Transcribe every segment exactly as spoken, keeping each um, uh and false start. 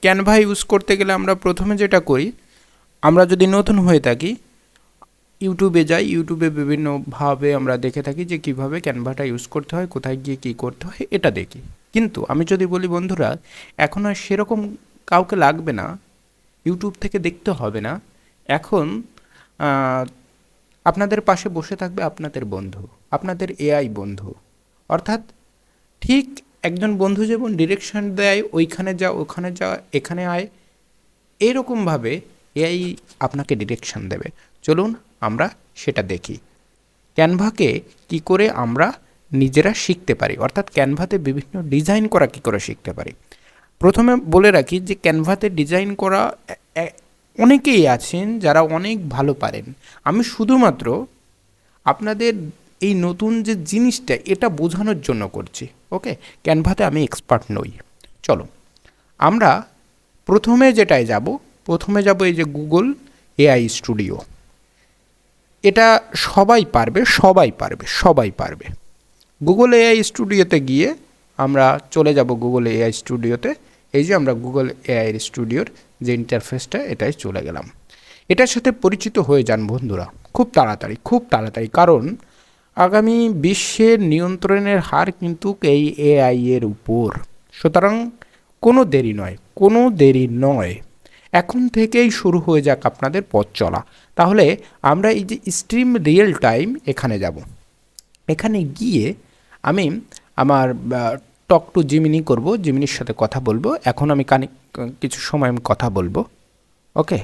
Canva use করতে গেলে আমরা প্রথমে যেটা করি, আমরা যদি নতুন হয়ে থাকি ইউটিউবে যাই, ইউটিউবে বিভিন্নভাবে আমরা দেখে থাকি যে কিভাবে ক্যানভাটা ইউজ করতে হয়, কোথায় গিয়ে কী করতে হয় এটা দেখি। কিন্তু আমি যদি বলি বন্ধুরা, এখন আর সেরকম কাউকে লাগবে না, ইউটিউব থেকে দেখতে হবে না। এখন আপনাদের পাশে বসে থাকবে আপনাদের বন্ধু, আপনাদের এআই বন্ধু। অর্থাৎ ঠিক একজন বন্ধু যেমন ডিরেকশন দেয়, ওইখানে যা, ওখানে যা, এখানে আয়, এরকমভাবে এআই আপনাকে ডিরেকশন দেবে। চলুন আমরা সেটা দেখি, ক্যানভাকে কি করে আমরা নিজেরা শিখতে পারি, অর্থাৎ ক্যানভাতে বিভিন্ন ডিজাইন করা কি করে শিখতে পারি। প্রথমে বলে রাখি যে ক্যানভাতে ডিজাইন করা অনেকেই আছেন যারা অনেক ভালো পারেন। আমি শুধুমাত্র আপনাদের এই নতুন যে জিনিসটা এটা বোঝানোর জন্য করছি। ওকে, ক্যানভাতে আমি এক্সপার্ট নই। চলো আমরা প্রথমে যেটায় যাব, প্রথমে যাব এই যে গুগল এআই স্টুডিও। এটা সবাই পারবে, সবাই পারবে, সবাই পারবে। গুগল এআই স্টুডিওতে গিয়ে আমরা চলে যাব গুগল এআই স্টুডিওতে। এই যে আমরা গুগল এআই স্টুডিওর যে ইন্টারফেসটা, এটাই চলে গেলাম। এটার সাথে পরিচিত হয়ে যান বন্ধুরা খুব তাড়াতাড়ি, খুব তাড়াতাড়ি, কারণ আগামী বিশ্বের নিয়ন্ত্রণের হার কিন্তু এই এআই এর উপর। সুতরাং কোনো দেরি নয়, কোনো দেরি নয়, এখন থেকেই শুরু হয়ে যাক আপনাদের পথ চলা। তাহলে আমরা এই যে স্ট্রিম রিয়েল টাইম এখানে যাব। এখানে গিয়ে আমি আমার টক টু জিমিনি করব, জিমিনির সাথে কথা বলবো। এখন আমি কানে কিছু সময় আমি কথা বলবো। Okay,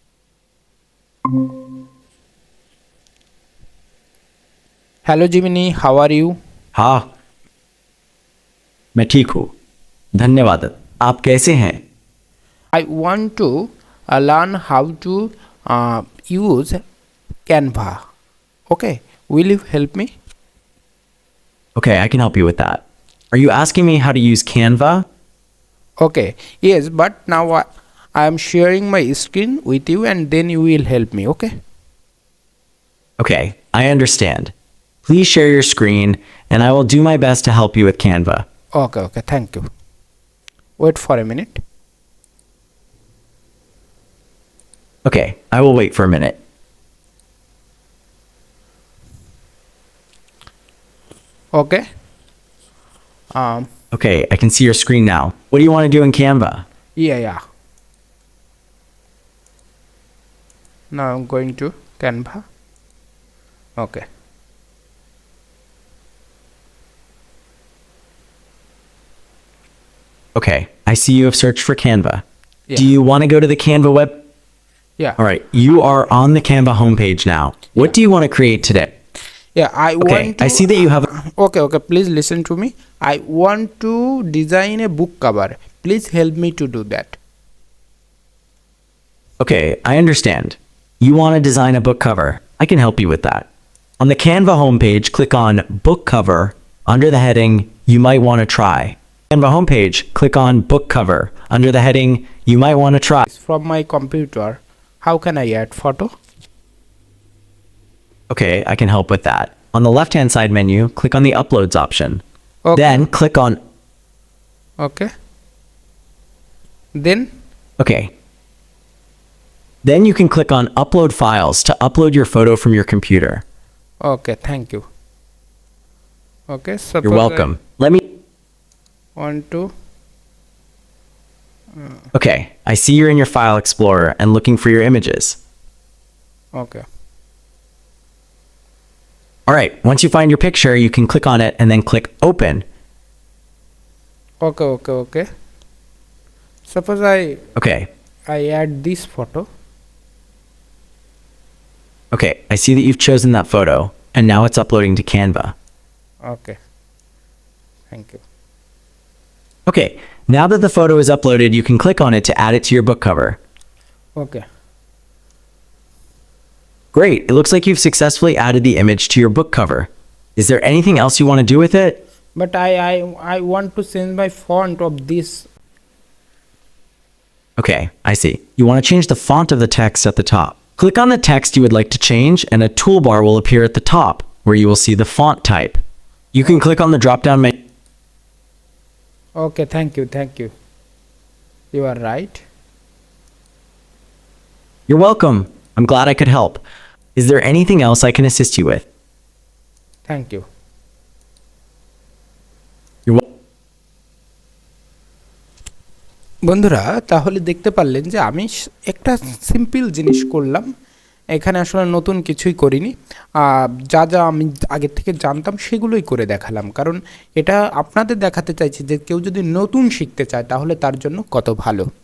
hello Gemini, how are you? हाँ, मैं ठीक हूँ, धन्यवाद। आप कैसे हैं? I want to uh, learn how to uh, use Canva. Okay, will you help me? Okay, I can help you with that. Are you asking me how to use Canva? Okay, yes, but now I, I am sharing my screen with you and then you will help me. Okay? Okay, I understand. Please share your screen and I will do my best to help you with Canva. Okay, okay, thank you. Wait for a minute. Okay, I will wait for a minute. Okay. Um. Okay, I can see your screen now. What do you want to do in Canva? Yeah, yeah. Now I'm going to Canva. Okay. Okay, I see you have searched for Canva. Yeah. Do you want to go to the Canva web? Yeah. All right, you are on the Canva homepage now. What do you want to create today? Yeah, I Okay, want to, I see that you have. Okay, okay, please listen to me. I want to design a book cover. Please help me to do that. Okay, I understand. You want to design a book cover. I can help you with that. On the Canva homepage, click on Book Cover under the heading You Might Want to Try. Canva homepage, click on Book Cover under the heading You Might Want to Try. From my computer, how can I add photo? Okay, I can help with that. On the left-hand side menu, click on the Uploads option. Okay. Then click on. Okay. Then. Okay. Then you can click on Upload Files to upload your photo from your computer. Okay, thank you. Okay, suppose You're welcome. Let me. I want to. Okay, I see you're in your File Explorer and looking for your images. Okay. All right, once you find your picture, you can click on it and then click Open. Okay, okay, okay. Suppose I Okay. I add this photo. Okay, I see that you've chosen that photo, and now it's uploading to Canva. Okay. Thank you. Okay, now that the photo is uploaded, you can click on it to add it to your book cover. Okay. Great, it looks like you've successfully added the image to your book cover. Is there anything else you want to do with it? But I I I want to change my font of this. Okay, I see. You want to change the font of the text at the top. Click on the text you would like to change and a toolbar will appear at the top where you will see the font type. You can click on the drop-down menu. Okay, thank you, thank you. You are right. You're welcome. I'm glad I could help. Is there anything else I can assist you with? Thank you. You're wel- বন্ধুরা, তাহলে দেখতে পারলেন যে আমি স- একটা simple জিনিস করলাম, এখানে আসলে নতুন কিছুই করিনি। আহ, যা যা আমি আগের থেকে জানতাম সেগুলোই করে দেখালাম, কারণ এটা আপনাদের দেখাতে চাইছি যে কেউ যদি নতুন শিখতে চায় তাহলে তার জন্য কত ভালো।